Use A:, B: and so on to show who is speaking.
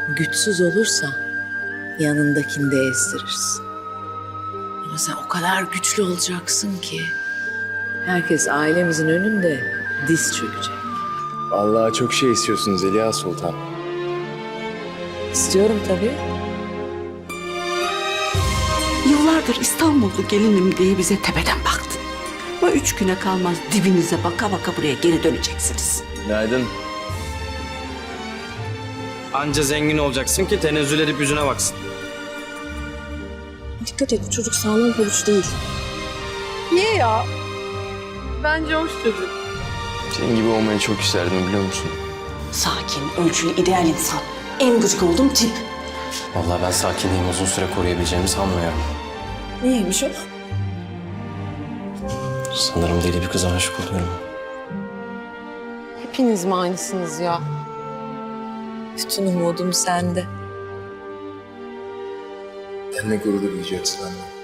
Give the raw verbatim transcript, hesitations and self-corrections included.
A: güçsüz olursa yanındakini de ezdirirsin. Ama sen o kadar güçlü olacaksın ki herkes ailemizin önünde diz çökecek.
B: Vallahi çok şey istiyorsunuz Zeliha Sultan.
A: İstiyorum tabii.
C: Yıllardır İstanbullu gelinim diye bize tepeden baktın. Ama üç güne kalmaz dibinize baka baka buraya geri döneceksiniz.
B: Günaydın.
D: Anca zengin olacaksın ki tenezzül edip yüzüne baksın.
E: Dikkat et, bu çocuk sağlam pabuç değil.
F: Niye ya? Bence hoş çocuk.
B: Senin gibi olmayı çok isterdim biliyor musun?
C: Sakin, ölçülü, ideal insan. En gıcık olduğum tip.
G: Vallahi ben sakinliğimi uzun süre koruyabileceğimi sanmıyorum.
E: Niyeymiş o?
G: Sanırım deli bir kıza aşık oluyorum.
E: Hepiniz mi aynısınız ya?
A: Bütün umudum sende.
B: Benimle gurur duyacaksın anne.